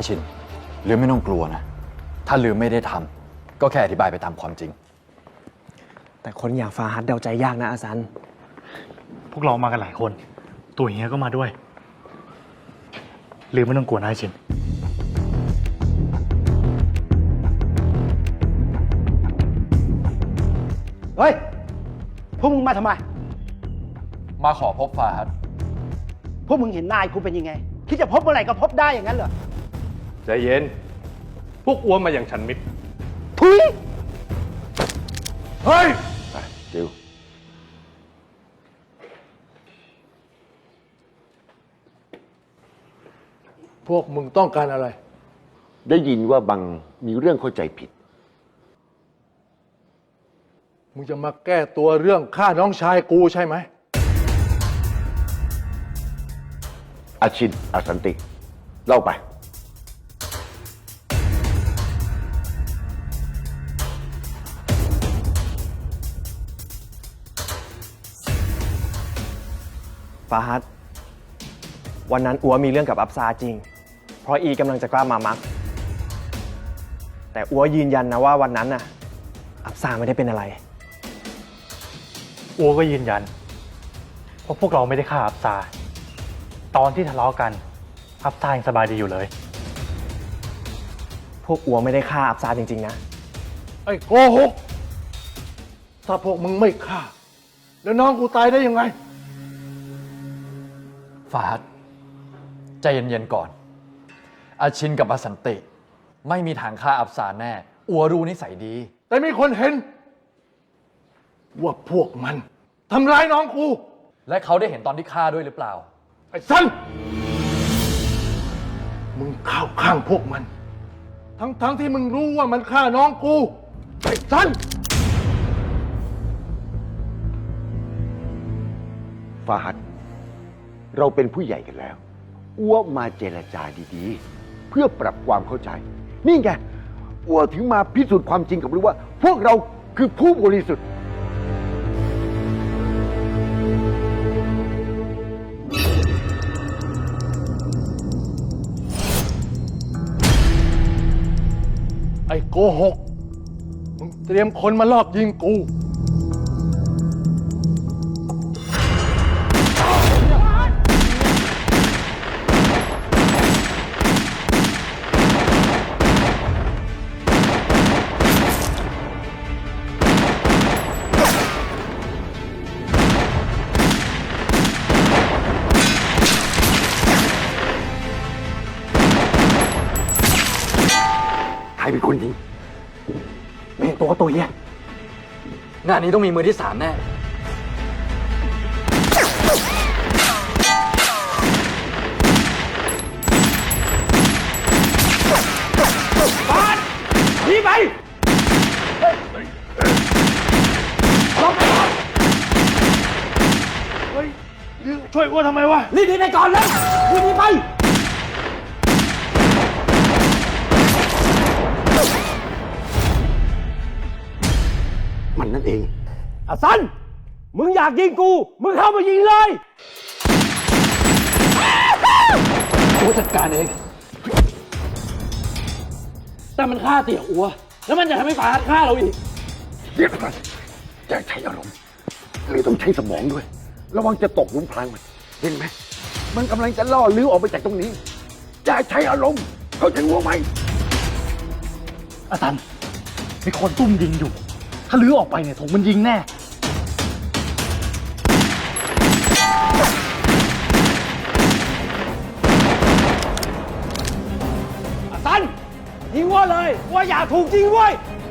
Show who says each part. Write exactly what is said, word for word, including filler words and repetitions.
Speaker 1: อาชินลืมไม่ต้องกลัวนะถ้าลืมไม่ได้ทำก็แค่อธิบายไปตามความจริง
Speaker 2: แต่คนอย่างฟาฮัดเดาใจยากนะอาซัน
Speaker 3: พวกเรามากันหลายคนตัวเฮียก็มาด้วยลืมไม่ต้องกลัวนะอาชิน
Speaker 4: เฮ้ยพวกมึงมาทำไม
Speaker 1: มาขอพบฟาฮัด
Speaker 4: พวกมึงเห็นนายกูเป็นยังไงคิดจะพบเมื่อไหร่ก็พบได้อย่างนั้นเหรอ
Speaker 5: ใจเย็นพวกอ้วนมาอย่างฉันมิตร
Speaker 4: ทุย
Speaker 5: เฮ้ย
Speaker 6: จิว
Speaker 5: พวกมึงต้องการอะไร
Speaker 6: ได้ยินว่าบังมีเรื่องเข้าใจผิด
Speaker 5: มึงจะมาแก้ตัวเรื่องฆ่าน้องชายกูใช่ไหม
Speaker 6: อาชินอาสันติเล่าไป
Speaker 2: ฟาฮัดวันนั้นอัวมีเรื่องกับอับซาจริงเพราะอีกำลังจะกล้ามามักแต่อัวยืนยันนะว่าวันนั้นน่ะอับซาไม่ได้เป็นอะไร
Speaker 3: อัวก็ยืนยันเพราะพวกเราไม่ได้ฆ่าอับซาตอนที่ทะเลาะกันอับซายังสบายดีอยู่เลย
Speaker 2: พวกอัวไม่ได้ฆ่าอับซาจริงๆนะ
Speaker 5: ไอ้โกหกถ้าพวกมึงไม่ฆ่าแล้วน้องกูตายได้ยังไง
Speaker 1: ฟาฮัดใจเย็นๆก่อนอาชินกับอาสันติไม่มีทางฆ่าอับซาแน่อัวรู้นิสัยดี
Speaker 5: แต่มีคนเห็นว่าพวกมันทำร้ายน้องกู
Speaker 1: และเขาได้เห็นตอนที่ฆ่าด้วยหรือเปล่า
Speaker 5: ไอ้สันมึงเข้าข้างพวกมัน ทั้งๆ ท, ที่มึงรู้ว่ามันฆ่าน้องกูไอ้สัน
Speaker 6: ฟาฮัดเราเป็นผู้ใหญ่กันแล้วอ้วมาเจรจาดีๆเพื่อปรับความเข้าใจนี่ไงอ้วถึงมาพิสูจน์ความจริงกับรู้ว่าพวกเราคือผู้บริสุทธิ์
Speaker 5: ไอ้โกหกมึงเตรียมคนมาลอบยิงกู
Speaker 6: ใครเป็นคนยิง
Speaker 2: ไม่เห็นตัวก็ตัวเหี้ย
Speaker 1: งานนี้ต้องมีมือที่สามแน่
Speaker 4: บาสหนีไปลบไปก่อน
Speaker 5: เฮ้ยช่วยอ้วนทำไมวะ
Speaker 4: รีบหนีไปก่อนเลยรีบหนีไป
Speaker 6: มันนั่นเอง
Speaker 4: อาซันมึงอยากยิงกูมึงเข้ามายิงเลย
Speaker 1: กูจัดการเอง
Speaker 4: แต่มันฆ่าเตี่ยอัวแล้วมันจะทำให้ฟาฮัดฆ่าเราอีก
Speaker 6: เดี๋ยวก่อนอย่าใช้อารมณ์เลยต้องใช้สมองด้วยระวังจะตกหลุมพรางมันเห็นไหมมันกำลังจะล่อลื้อออกไปจากตรงนี้อย่าใช้อารมณ์เขาจะงัวไหม
Speaker 3: อาซันมีคนตุ้มยิงอยู่ถ้าลื้อออกไปเนี่ยถูกมันยิงแน่
Speaker 4: อาซันยิงว่าเลยว่าอย่าถูกจริงเว้ย